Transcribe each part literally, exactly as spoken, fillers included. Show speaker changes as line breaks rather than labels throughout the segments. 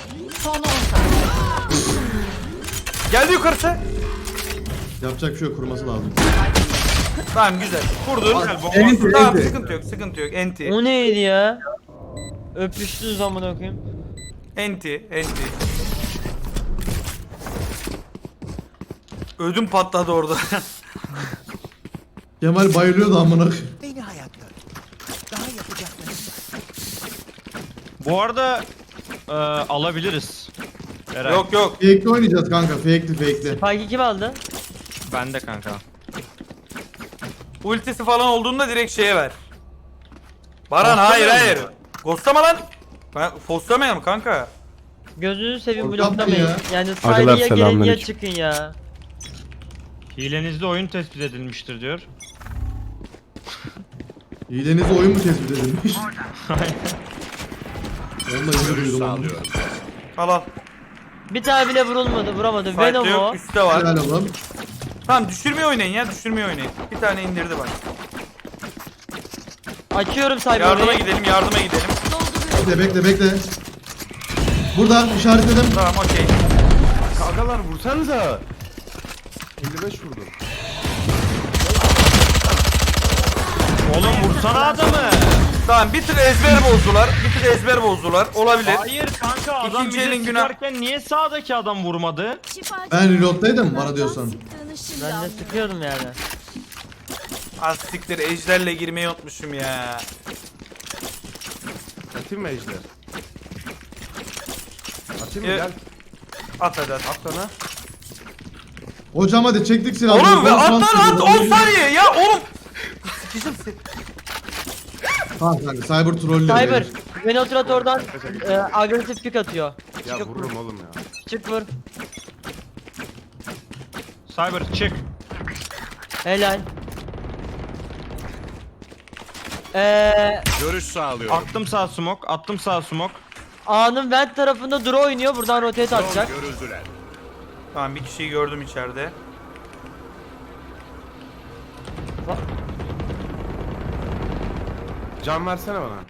Son on saniye.
Geldi yukarısı.
Yapacak bir şey yok, kurması lazım.
Tamam güzel. Kurdun.
Enti,
Tamam
enti.
sıkıntı yok sıkıntı yok. Enti.
O neydi ya? Öpüştünüz amına koyayım.
Enti. Enti. Ödüm patladı orada.
Kemal bayılıyordu amına.
Beni hayatta. Daha yapacaklarım var.
Bu arada e, alabiliriz. Eray.
Yok yok.
Fake'li oynayacağız kanka, fake'li fake'li.
Spike'i kim aldı?
Bende kanka.
Ultisi falan olduğunda direkt şeye ver. Baran hayır hayır. Ghostlama lan. Ben Ghostlamayalım kanka.
Gözünüzü seveyim
Korkak
bloklamayın.
ya.
Yani
Arkadaşlar,
saygıya gelin ya
selamünaleyküm.
çıkın ya.
Hilenizde oyun tespit edilmiştir diyor.
Hilenizde oyun mu tespit edilmiş? Onunla yine duydum onu.
Al al.
Bir tane bile vurulmadı, vuramadı.
Fight'te
Venom o.
yok üstte var.
Helal oğlum.
Tamam düşürmeye oynayın ya düşürmeye oynayın. Bir tane indirdi bak.
Açıyorum
Yardıma
Cyber'ı.
gidelim yardıma gidelim.
Bekle bekle bekle. Burada işaretledim.
Tamam okey.
Kankalar vursanıza. elli beş vurdum.
Oğlum vursana adamı.
Tamam bir tık ezber bozdular. Bir tık ezber bozdular. Olabilir.
Hayır kanka adam
İkinci
bize
elin günah.
sıkarken niye sağdaki adam vurmadı?
Ben reload'daydım bana diyorsan.
Ben de sıkıyordum yani.
Az siktir ejderle girmeyi unutmuşum ya.
Atayım mı ejder? Atayım mı
Ee,
gel.
At hadi at.
At bana.
Hocam hadi çektik silahı.
Oğlum be
Bana
at lan
Fransız
at
dedi.
on saniye ya oğlum. Sikeceğim seni.
Tamam kanka cyber trollüyor.
Cyber.
beni.
Beni oturat oradan e, agresif pick atıyor.
Ya
Çık
vururum oğlum ya.
Çık vur.
Cyber çık.
Helal. Eee
Görüş sağlıyorum.
Attım sağ smoke. Attım sağ smoke.
A'nın vent tarafında draw oynuyor. Buradan rotate atacak.
Görüldüler.
Tamam bir kişiyi gördüm içeride.
Can versene bana.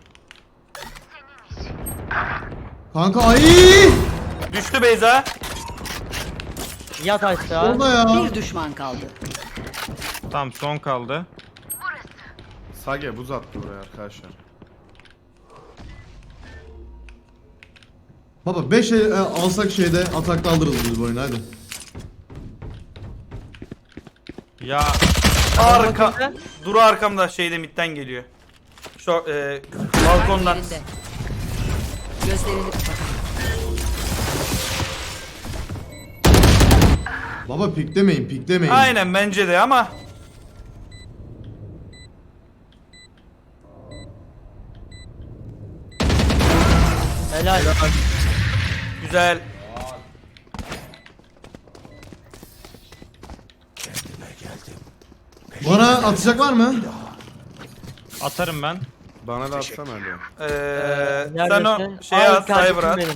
Kanka ay!
Düştü Beyza.
Yat aşağı.
Orada ya.
Bir düşman kaldı.
Tamam son kaldı.
Sage buz attı buraya arkadaşlar.
Baba beş el, e, alsak şeyde atakta alırız biz bu oyunu hadi.
Ya
Arka. Duru arkamda şeyde midden geliyor. Şu e, balkondan.
Yerinde. Gözlerini kapat.
Baba piklemeyin piklemeyin.
Aynen bence de ama.
Helal.
Güzel.
Bana atacak var mı?
atarım ben.
Bana da atsana hadi.
Ee, sen
Neredesin?
o şeye
Ay,
at
kardeşim
cyber at.
benim.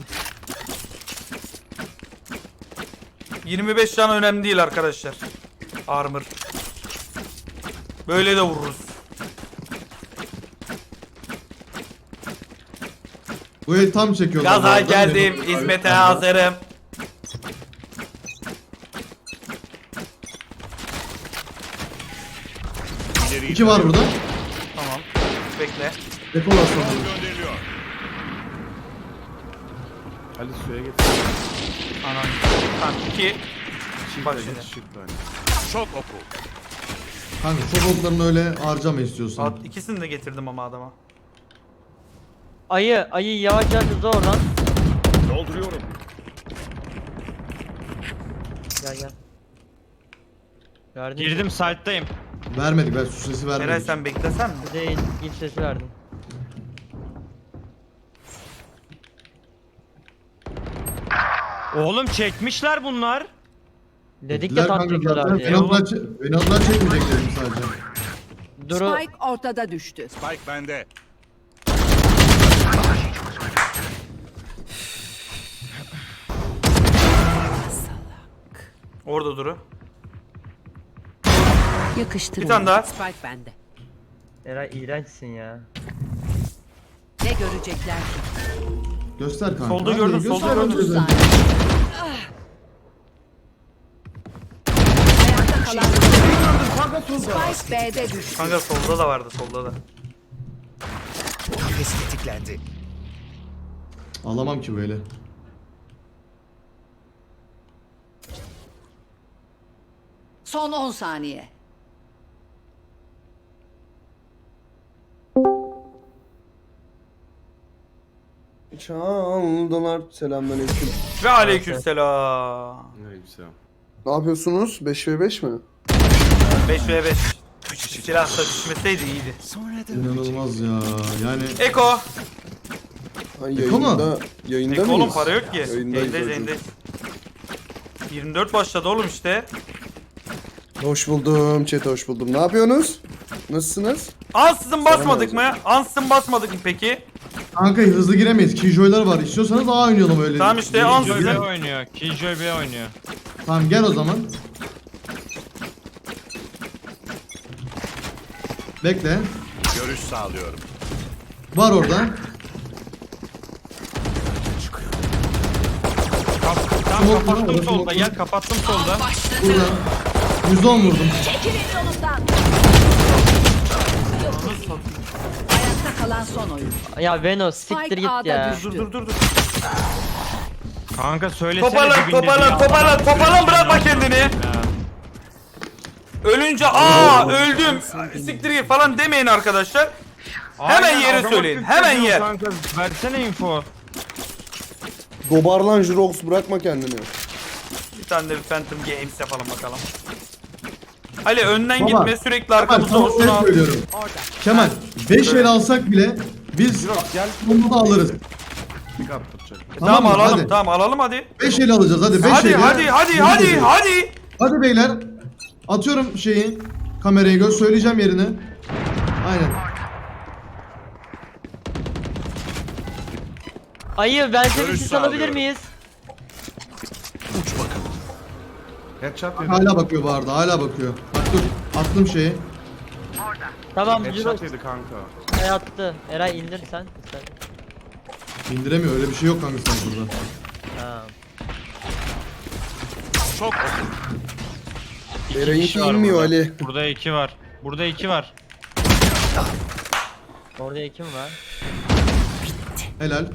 yirmi beş can önemli değil arkadaşlar. Armor. Böyle de vururuz.
Bu el tam çekiyorlar. bu
Gaza
arada.
geldim. Hizmete hazırım.
İleri
İki var burada.
Tamam. Bekle.
Dekor aslanım.
gönderiliyor.
Ali suya git.
Anam. Tamam iki. Bak
Çift
şimdi.
git çift lan.
Şok oku.
Kanka çok oklarını öyle harcama istiyorsan.
At, ikisini de getirdim ama adama.
Ayı, ayı yavaş yavaş hızlı oradan.
Dolduruyorum.
Gel gel. Gördün mü?
Girdim site'dayım.
Vermedik ben su sesi
Eray
vermedik.
sen beklesen mi?
Bir de il, il sesi verdim.
Oğlum çekmişler bunlar.
Dedik
Gittiler
ya tam
kanka
çekiyorlar
zaten.
diye.
Fenotlar, çe- Fenotlar çekmeyecek dedim sadece.
Duru
Spike ortada düştü.
Spike bende.
Orada duru.
Yakıştırın.
Bir tane daha.
Spike bende.
Eray iğrençsin ya.
Ne görecekler ki?
Göster kanka.
Solda
Hadi,
gördüm,
göster
solda
hadi
gördüm.
bize.
Ayakta kalan Spike B'de düştü.
Kanka solda da vardı, solda da.
Nefes tetiklendi.
Alamam ki böyle.
Son on saniye.
Çaldılar. Selamünaleyküm.
Ve aleykümselam.
Neyse.
Ne yapıyorsunuz? beş ve beş mi?
beş ve beş. Silah da düşmeseydi iyiydi.
İnanılmaz ya. Yani
Eko.
Ha,
Eko mu?
yayında, yayında
Eko
mıyız?
oğlum, para yok ki.
Yayındayız
Yayındayız,
hocam.
yayındayız. yirmi dört başladı oğlum işte.
Hoş buldum chat, hoş buldum. Ne yapıyorsunuz? Nasılsınız?
Ansızın basmadık mı? Ansızın basmadık mı peki?
kanka hızlı giremeyiz. Killjoy'lar var. İstiyorsanız A oynayalım öyle.
Tamam işte,
Gel-
al.
Killjoy
gel.
B oynuyor. Killjoy B oynuyor.
Tamam gel o zaman. Bekle.
Görüş sağlıyorum.
Var orada.
Kap tamam
Smoke var,
kapattım
orada
solda.
smoke
Gel
var.
kapattım solda.
Burada. yüz on vurdum.
Ayakta kalan son oyun.
Ya Veno siktir
Spike
git
A'da
ya.
düştü.
Dur dur dur dur.
Kanka söylesene
Toparlan,
dibinde
toparlan,
diye.
toparlan, toparlan, bırakma kendini.
Ya.
Ölünce aa öldüm, siktir git falan demeyin arkadaşlar. Hemen
Aynen,
yeri
adama
söyleyin,
küfür
hemen
ediyor
yer.
Kanka versene info.
Dobarlan Jirox, bırakma kendini.
Bir tane de bir Phantom Games yapalım bakalım. Ali önden
Baba,
gitme, sürekli
Kemal
arkamızda
sana
olsun
şey
abi.
söylüyorum. Kemal beş el alsak bile biz bunu da alırız.
Pik attıracak.
Tamam,
mı?
alalım,
Hadi.
tamam alalım hadi.
beş el alacağız hadi beş
Hadi
el.
hadi hadi hadi hadi.
Hadi beyler. Atıyorum şeyi. Kamerayı göz söyleyeceğim yerini. Aynen.
Ayı ben seni
Görüş
siz alabilir
sağlıyorum.
miyiz?
Headshot yedi.
Hala bakıyor bu arada hala bakıyor. Bak dur attım şeyi.
Tamam Ciro
Headshot yedi kanka.
hayattı. Eray indir sen. sen.
İndiremiyor öyle bir şey yok kanka sen burada.
Tamam.
Çok oku.
Eray'ınki
kişi var
inmiyor
burada.
Ali.
Burada iki var. Burada iki var.
Orada kim var?
Helal.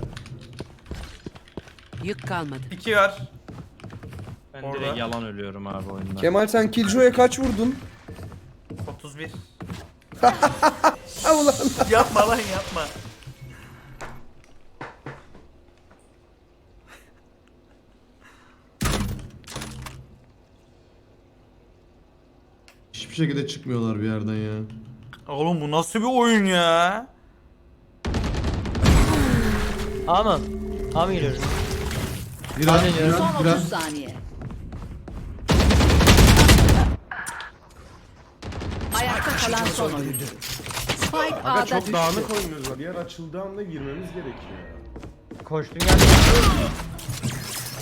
Yük kalmadı.
İki var.
Ben
Orada.
direkt yalan ölüyorum abi oyunda.
Kemal sen Killjoy'a kaç vurdun?
otuz bir.
Ha ulan.
Yapma lan yapma.
Hiçbir şekilde çıkmıyorlar bir yerden ya.
Oğlum bu nasıl bir oyun ya?
A mı? A mı giriyoruz?
Biraz
Aynen ya.
biraz
Son otuz
biraz.
saniye. Ayakta kalan son oyun. Spike
Aga
A'da
çok
düştü.
dağınık oynuyoruz var. Yer açıldığı anda girmemiz gerekiyor.
Koştum geldim.